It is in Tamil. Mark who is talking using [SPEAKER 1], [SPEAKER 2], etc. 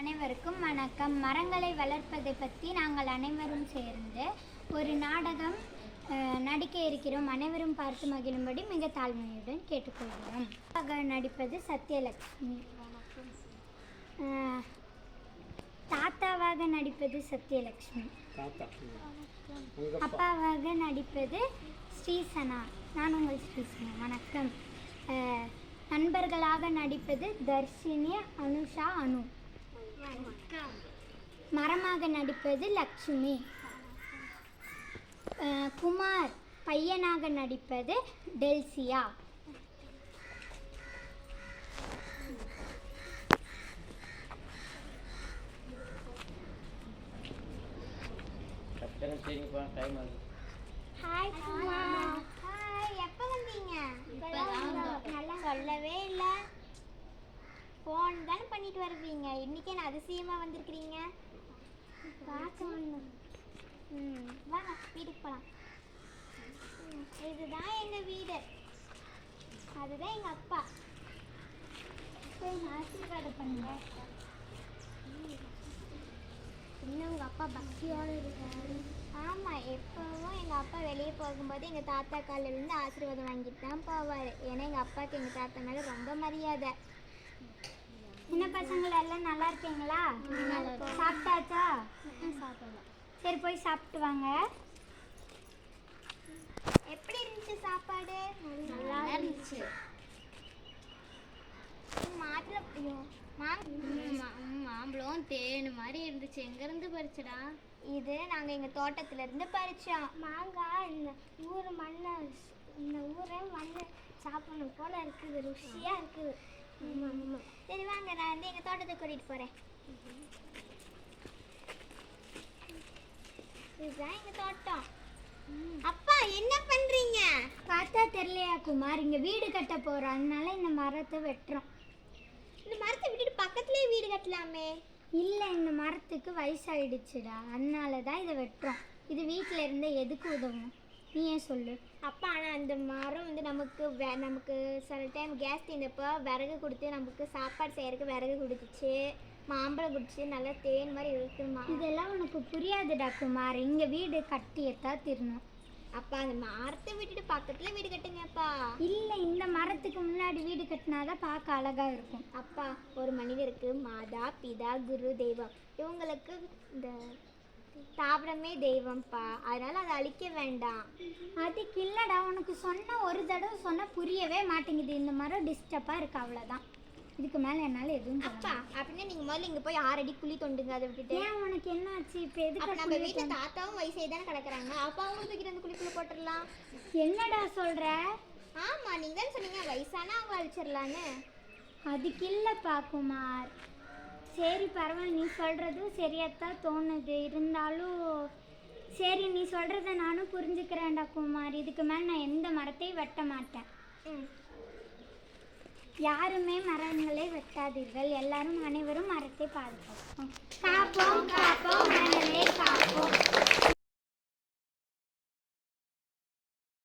[SPEAKER 1] அனைவருக்கும் வணக்கம். மரங்களை வளர்ப்பதை பற்றி நாங்கள் அனைவரும் சேர்ந்து ஒரு நாடகம் நடிக்க இருக்கிறோம். அனைவரும் பார்த்து மகிழும்படி மிக தாழ்மையுடன் கேட்டுக்கொள்கிறோம். நடிப்பது சத்யலட்சுமி. தாத்தாவாக நடிப்பது சத்யலட்சுமி. அப்பாவாக நடிப்பது ஸ்ரீசனா. நான் உங்கள் ஸ்ரீசனா. வணக்கம். நண்பர்களாக நடிப்பது தர்ஷினி, அனுஷா, அனு. மரமாக நடிப்பது லக்ஷ்மி. குமார் பையனாக நடிப்பது டெல்சியா. ஹாய் குமார். ஹாய், எப்போ வந்தீங்க? நல்லா சொல்லவே இல்லை. ஃபோன் தானே பண்ணிட்டு வருவீங்க. இன்றைக்கி என்ன அதிசயமாக வந்திருக்கிறீங்க? வாங்க வீட்டுக்கு போகலாம். இதுதான் எங்கள் வீடு, அதுதான் எங்கள் அப்பா. ஆசீர்வாதம் பண்ணுங்க. இன்னும் உங்கள் அப்பா பக்தியோடு இருக்காரு. ஆமாம், எப்போவும் எங்கள் அப்பா வெளியே போகும்போது எங்கள் தாத்தா காலிலேருந்து ஆசீர்வாதம் வாங்கிட்டு தான் போவார். ஏன்னா எங்கள் அப்பாவுக்கு எங்கள் தாத்தா மேலே ரொம்ப மரியாதை. என்ன பசங்களை எல்லாம் நல்லா இருக்கீங்களா? சாப்பிட்டாச்சா? சாப்பிடலாம். சரி, போய் சாப்பிட்டு வாங்க. எப்படி இருந்துச்சு சாப்பாடு? நல்லா இருந்துச்சு.
[SPEAKER 2] மாம்பழம் தேன் மாதிரி இருந்துச்சு. எங்கேருந்து பறிச்சடா?
[SPEAKER 1] இது நாங்கள் எங்கள் தோட்டத்துலேருந்து பறித்தோம். மாங்காய் இந்த ஊர் மண்ணை, இந்த ஊரை மண்ணை சாப்பிடணும் போல் இருக்குது. ருசியாக இருக்குது. சரி வாங்க, நான் வந்து எங்கள் தோட்டத்தை கூட்டிகிட்டு போகிறேன். இதுதான் எங்கள் தோட்டம். அப்பா என்ன பண்ணுறீங்க? பார்த்தா தெரியலையா குமார்? இங்கே வீடு கட்ட போகிறோம், அதனால இந்த மரத்தை வெட்டுறோம். இந்த மரத்தை விட்டுட்டு பக்கத்துலேயே வீடு கட்டலாமே. இல்லை, இந்த மரத்துக்கு வயசாயிடுச்சுடா, அதனால தான் இதை வெட்டுறோம். இது வீட்டில் இருந்த எதுக்கு உதவும்? நீ ஏன் சொல்லு. அப்பா, ஆனால் அந்த மரம் வந்து நமக்கு சில டைம் கேஸ் தீர்ந்தப்போ விறகு கொடுத்து நமக்கு சாப்பாடு செய்யறதுக்கு விறகு கொடுத்துச்சு, மாம்பழம் குடிச்சு, நல்லா தேன் மாதிரி இருக்குமா. இதெல்லாம் உனக்கு புரியாதுடா குமார். இங்கே வீடு கட்டியத்தான் திருணும். அப்பா, அந்த மரத்தை விட்டுட்டு பக்கத்தில் வீடு கட்டுங்கப்பா. இல்லை, இந்த மரத்துக்கு முன்னாடி வீடு கட்டினாதான் பார்க்க அழகாக இருக்கும். அப்பா, ஒரு மனிதருக்கு மாதா, பிதா, குரு, தெய்வம், இவங்களுக்கு இந்த தாவரமே தெய்வம்ப்பா. அதனால அதை அழிக்க வேண்டாம். அதுக்கு இல்லைடா, உனக்கு சொன்ன ஒரு தடவை சொன்னால் புரியவே மாட்டேங்குது. இந்த மரம் டிஸ்டர்பாக இருக்குது, அவ்வளோதான். இதுக்கு மேலே என்னால் எதுவும். அப்பா, அப்படின்னா நீங்கள் முதல்ல இங்கே போய் 6 அடி குழி தோண்டுங்க. அதை விட்டுட்டு ஏன் உனக்கு என்ன ஆச்சு? இப்போ எதுக்கு? நம்ம வீட்டில் தாத்தாவும் வயசே தானே கிடக்குறாங்க. அப்பாவும் தூக்கிட்டு அந்த குழிக்குள்ளே போட்டுடலாம். என்னடா சொல்கிற? ஆமாம், நீங்கள் தானே சொன்னீங்க வயசானா அவங்க அழிச்சிடலான்னு. அதுக்கு இல்லைப்பா குமார். சரி, பரவாயில்ல, நீ சொல்கிறதும் சரியாத்தான் தோணுது. இருந்தாலும் சரி, நீ சொல்கிறத நானும் புரிஞ்சுக்கிறேன்டா குமார். இதுக்கு மேலே நான் எந்த மரத்தையும் வெட்ட மாட்டேன். யாருமே மரங்களை வெட்டாதீர்கள். எல்லாரும் அனைவரும் மரத்தை பாதுகாப்போம். காப்போம் காப்போம் மரங்களை காப்போம்.